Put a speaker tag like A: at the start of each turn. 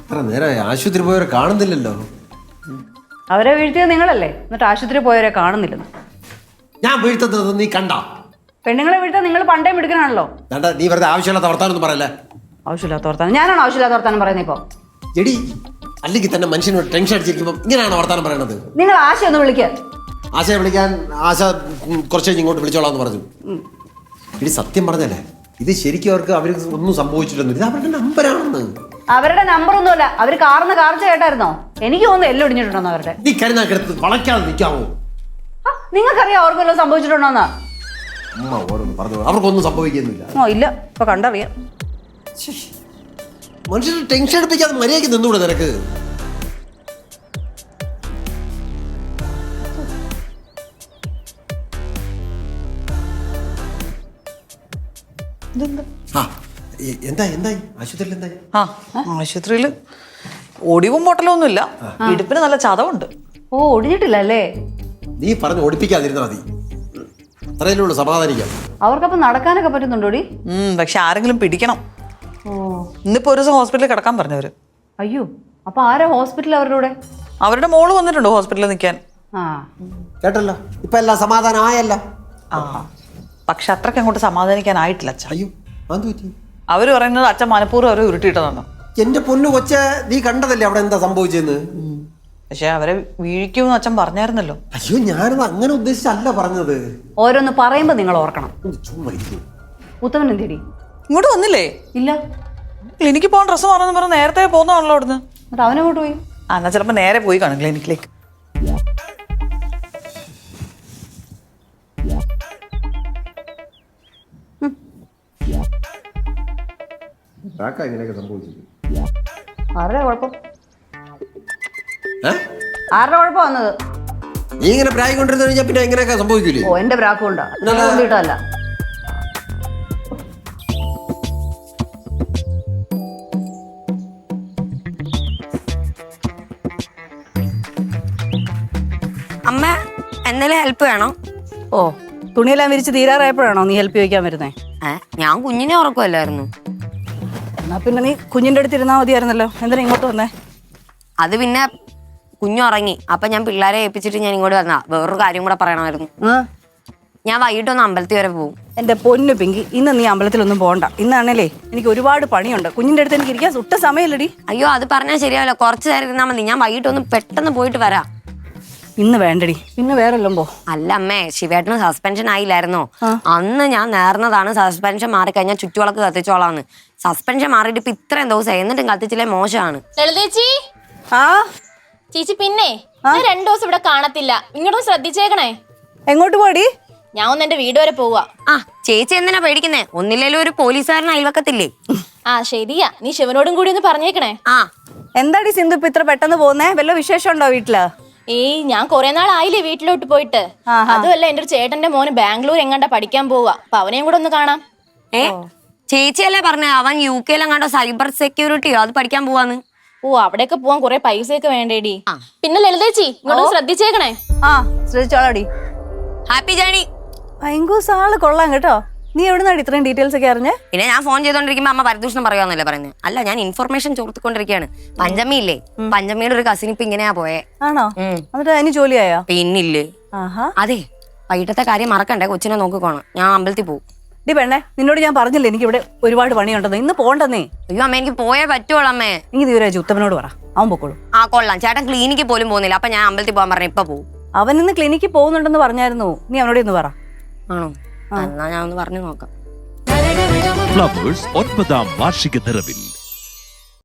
A: നേരെ ആശുപത്രി പോയവരെ കാണുന്നില്ലല്ലോ.
B: അവരെ വീഴ്ത്തിയത് നിങ്ങളല്ലേ, എന്നിട്ട് ആശുപത്രി പോയവരെ കാണുന്നില്ലെന്ന്.
A: ഞാൻ വീഴ്ത്തുന്നത് നീ കണ്ട?
B: പെണ്ണുങ്ങളെ വീഴ്ത്താൻ നിങ്ങൾ പണ്ടേ എടുക്കണാണല്ലോ.
A: നീ വെറുതെ ആവശ്യമില്ലാത്ത വർത്താനൊന്നും പറയല്ലേ.
B: ആവശ്യമില്ലാത്ത വർത്താനം ഞാനാണോ ആവശ്യമില്ലാത്ത വർത്താനം പറയുന്നത് ഇപ്പൊ?
A: എടി, അല്ലെങ്കിൽ തന്നെ മനുഷ്യനോട് ടെൻഷൻ അടിച്ചിരിക്കുമ്പോൾ ഇങ്ങനെയാണ് വർത്താനം പറയണത്.
B: നിങ്ങൾ ആശ ഒന്ന് വിളിക്കുക.
A: ആശയെ വിളിക്കാൻ ആശ കുറച്ച് കഴിഞ്ഞ് ഇങ്ങോട്ട് വിളിച്ചോളാന്ന് പറഞ്ഞു. ഇനി സത്യം പറഞ്ഞല്ലേ, ഇത് ശരിക്കും അവർക്ക് ഒന്നും സംഭവിച്ചിട്ടൊന്നും, ഇത് അവരുടെ നമ്പറാണെന്ന്.
B: അവരുടെ നമ്പർ ഒന്നുമല്ല, അവർ കാർന്ന് കാർച്ച കേട്ടായിരുന്നോ? എനിക്ക് തോന്നുന്നു എല്ലാം ഒടിഞ്ഞിട്ടുണ്ടോ അവരുടെ.
A: നീ കരുനാക്കെടുത്ത് വളയ്ക്കാതെ നിൽക്കാമോ?
B: നിങ്ങൾക്കറിയാം അവർക്ക് വല്ലതും സംഭവിച്ചിട്ടുണ്ടോന്നാ?
A: അമ്മ ഓരോന്ന് പറഞ്ഞു, അവർക്കൊന്നും സംഭവിക്കുന്നില്ല.
B: ഓ ഇല്ല, ഇപ്പൊ കണ്ടറിയാം.
A: മനുഷ്യന് ടെൻഷൻ എടുപ്പിക്കാതെ മര്യാദയ്ക്ക് നിന്നൂടെ നിനക്ക്? എന്തായി ആശുപത്രിയിൽ? എന്തായി?
C: ആശുപത്രിയിൽ ഒടിവും പൊട്ടലൊന്നുമില്ല, ഇടുപ്പിന് നല്ല ചതവുണ്ട്.
B: ഓ, ഒടിഞ്ഞിട്ടില്ല അല്ലേ?
A: നീ പറഞ്ഞു ഓടിപ്പിക്കാതിരുന്നാ മതി, അത്രയല്ലേ ഉള്ളൂ, സമാധാനിക്കാം.
B: അവർക്കപ്പം നടക്കാനൊക്കെ പറ്റുന്നുണ്ടോടി?
C: പക്ഷെ ആരെങ്കിലും പിടിക്കണം.
B: ഓ,
C: ഇന്നിപ്പോ ഒരു ദിവസം ഹോസ്പിറ്റലിൽ കിടക്കാൻ പറഞ്ഞവര്.
B: അയ്യോ, അപ്പൊ ആരാ ഹോസ്പിറ്റലിൽ അവരുടെ കൂടെ?
C: അവരുടെ മോള് വന്നിട്ടുണ്ട് ഹോസ്പിറ്റലിൽ നിൽക്കാൻ.
A: കേട്ടല്ലോ, ഇപ്പൊ എല്ലാം സമാധാനം ആയല്ല.
C: പക്ഷെ അത്രയ്ക്ക് അങ്ങോട്ട് സമാധാനിക്കാനായിട്ടില്ല അച്ഛൻ.
A: അയ്യോ, അത് പറ്റി.
C: അവര് പറയുന്നത് അച്ഛൻ മനഃപൂർവ്വം അവരെ ഉരുട്ടിയിട്ടതാണ്.
A: എന്റെ പൊന്നു കൊച്ച, നീ കണ്ടതല്ലേ അവിടെ എന്താ സംഭവിച്ചെന്ന്?
C: പക്ഷെ അവരെ വീഴിക്കുമെന്ന് അച്ഛൻ പറഞ്ഞായിരുന്നല്ലോ.
A: അയ്യോ, ഞാനത് അങ്ങനെ ഉദ്ദേശിച്ചല്ല പറഞ്ഞത്.
B: ഓരോന്ന് പറയുമ്പോ നിങ്ങൾ ഓർക്കണം.
A: ചുമ്മാ
B: ഉത്തമൻ എന്തിടി?
C: ഇങ്ങോട്ട് വന്നില്ലേ?
B: ഇല്ല.
C: ക്ലിനിക്കിൽ പോകാൻ ഡ്രസ്സ് മാറെന്ന് പറഞ്ഞ് നേരത്തെ പോകുന്നതാണല്ലോ അവിടുന്ന്.
B: എന്നിട്ട് അവനങ്ങോട്ട് പോയി?
C: എന്നാ ചിലപ്പോ നേരെ പോയി കാണും ക്ലിനിക്കിലേക്ക്.
B: ആരുടെ കുഴപ്പം? ആരുടെ കുഴപ്പം വന്നത്?
A: നീ ഇങ്ങനെ പ്രായം കൊണ്ടിരുന്നു കഴിഞ്ഞാൽ പിന്നെ എങ്ങനെയൊക്കെ സംഭവിക്കൂലേ?
B: ഓ, എന്റെ പ്രാക്ക് കൊണ്ടാ കൊണ്ടിട്ടല്ല.
D: അമ്മ എന്തെങ്കിലും ഹെൽപ്പ് വേണോ?
B: ഓ, തുണിയെല്ലാം വിരിച്ച് തീരാറായപ്പോഴാണോ നീ ഹെൽപ്പ് ചോദിക്കാൻ വരുന്നേ?
D: ഞാൻ കുഞ്ഞിനെ ഉറക്കുമല്ലായിരുന്നു.
B: എന്നാ പിന്നെ നീ കുഞ്ഞിന്റെ അടുത്ത് ഇരുന്നാ മതിയായിരുന്നല്ലോ, എന്തിനാ ഇങ്ങോട്ട് വന്നേ?
D: അത് പിന്നെ കുഞ്ഞുറങ്ങി, അപ്പൊ ഞാൻ പിള്ളേരെ ഏൽപ്പിച്ചിട്ട് ഞാൻ ഇങ്ങോട്ട് വന്നാ. വേറൊരു കാര്യം കൂടെ പറയണമായിരുന്നു. ഞാൻ വൈകിട്ടൊന്ന് അമ്പലത്തിൽ വരെ പോകും.
B: എന്റെ പൊന്നു പിങ്കി, ഇന്ന് നീ അമ്പലത്തിലൊന്നും പോകണ്ട. ഇന്നാണല്ലേ എനിക്ക് ഒരുപാട് പണിയുണ്ട്. കുഞ്ഞിന്റെ അടുത്ത് എനിക്ക് ഇരിക്കാൻ സുട്ട സമയമില്ലടി.
D: അയ്യോ, അത് പറഞ്ഞാൽ ശരിയാവില്ല, കുറച്ച് നേരം ഇരുന്നാ മതി. ഞാൻ വൈകിട്ടൊന്ന് പെട്ടെന്ന് പോയിട്ട് വരാം.
B: ഇന്ന് വേണ്ടടി, പിന്നെ വേറെല്ലാം പോ.
D: അല്ല അമ്മേ, ശിവേട്ടന് സസ്പെൻഷൻ ആയില്ലായിരുന്നോ? അന്ന് ഞാൻ നേർന്നതാണ് സസ്പെൻഷൻ മാറിക്കഴിഞ്ഞാൽ ചുറ്റുവിളക്ക് കത്തിച്ചോളാന്ന്. സസ്പെൻഷൻ മാറിയിട്ട് ഇപ്പൊ ഇത്രയും ദിവസം എന്നിട്ടും കത്തിച്ചില്ലേ, മോശമാണ്.
E: ലളിതേച്ചി. ചേച്ചി, പിന്നെ 2 ദിവസം ഇവിടെ കാണത്തില്ല, ഇങ്ങോട്ടൊന്ന് ശ്രദ്ധിച്ചേക്കണേ.
B: എങ്ങോട്ട് പോടി?
E: ഞാൻ ഒന്ന് എന്റെ വീട് വരെ പോവാ.
D: ചേച്ചി എന്തിനാ പേടിക്കുന്നേ? ഒന്നില്ലേലും ഒരു പോലീസുകാരൻ അയൽവക്കത്തില്ലേ?
E: ശരിയാ, നീ ശിവനോടും കൂടി ഒന്ന് പറഞ്ഞേക്കണേ.
B: എന്താടി സിന്ധു ഇപ്പൊ ഇത്ര പെട്ടെന്ന് പോകുന്നേ? വല്ല വിശേഷം ഉണ്ടോ വീട്ടില്?
E: ഞാൻ കുറെ നാളായില്ലേ വീട്ടിലോട്ട് പോയിട്ട്. അതുമല്ല, എന്റെ ഒരു ചേട്ടന്റെ മോന് ബാംഗ്ലൂർ എങ്ങാണ്ടാ പഠിക്കാൻ പോവാ, അപ്പൊ അവനെയും കൂടെ ഒന്ന് കാണാം.
D: ചേച്ചിയല്ലേ പറഞ്ഞ അവൻ UK എങ്ങാണ്ടോ സൈബർ സെക്യൂരിറ്റിയോ അത് പഠിക്കാൻ പോവാന്ന്?
E: അവിടെയൊക്കെ പോവാൻ കുറെ പൈസയൊക്കെ വേണ്ടേടി. പിന്നെ ലളിതേച്ചി ഇങ്ങോട്ട് ശ്രദ്ധിച്ചേക്കണേ.
B: ശ്രദ്ധിച്ചോളാടി.
D: Happy journey.
B: ഭയങ്കര ആള് കൊള്ളാം കേട്ടോ. നീ എവിടുന്നാടി ഇത്രയും ഡീറ്റെയിൽസ് ഒക്കെ അറിഞ്ഞേ?
D: പിന്നെ ഞാൻ ഫോൺ ചെയ്തോണ്ടിരിക്കുമ്പോ അമ്മ പരിദൂഷണം പറയുവാന്നല്ലേ പറയുന്നത്? അല്ല, ഞാൻ ഇൻഫർമേഷൻ ചോർത്തിക്കൊണ്ടിരിക്കുകയാണ്. പഞ്ചമി ഇല്ലേ, പഞ്ചമിയുടെ ഒരു കസിൻ ഇപ്പൊ ഇങ്ങനെയാ പോയേ.
B: ആണോ? എന്നിട്ട് അതിന് ജോലിയായോ?
D: പിന്നില്ലേ. അതെ, വൈകിട്ടത്തെ കാര്യം മറക്കണ്ടേ, കൊച്ചിനെ നോക്കിക്കോണം. ഞാൻ അമ്പലത്തിൽ പോകും.
B: ഡി പെണ്ണേ, നിന്നോട് ഞാൻ പറഞ്ഞില്ലേ എനിക്ക് ഇവിടെ ഒരുപാട് പണിയുണ്ടെന്ന്. ഇന്ന് പോണ്ടെന്നേ.
D: അയ്യോ അമ്മ, എനിക്ക് പോയേ പറ്റുള്ളൂ അമ്മേ.
B: നീ തീരാജ് ഉത്തമനോട് പറ, അവൻ പൊക്കോളൂ.
D: കൊള്ളാം. ചേട്ടൻ ക്ലിനിക്കിൽ പോലും പോകുന്നില്ല, അപ്പൊ ഞാൻ അമ്പലത്തിൽ പോകാൻ പറഞ്ഞ ഇപ്പൊ പോകും.
B: അവൻ ഇന്ന് ക്ലിനിക്കിൽ പോകുന്നുണ്ടെന്ന് പറഞ്ഞായിരുന്നു. നീ അവനോട് ഒന്ന് പറ.
D: ആണോ? എന്നാ ഞാൻ ഒന്ന് പറഞ്ഞു നോക്കാം.
F: ഫ്ലവേഴ്സ് 9ാം വാർഷിക നിറവിൽ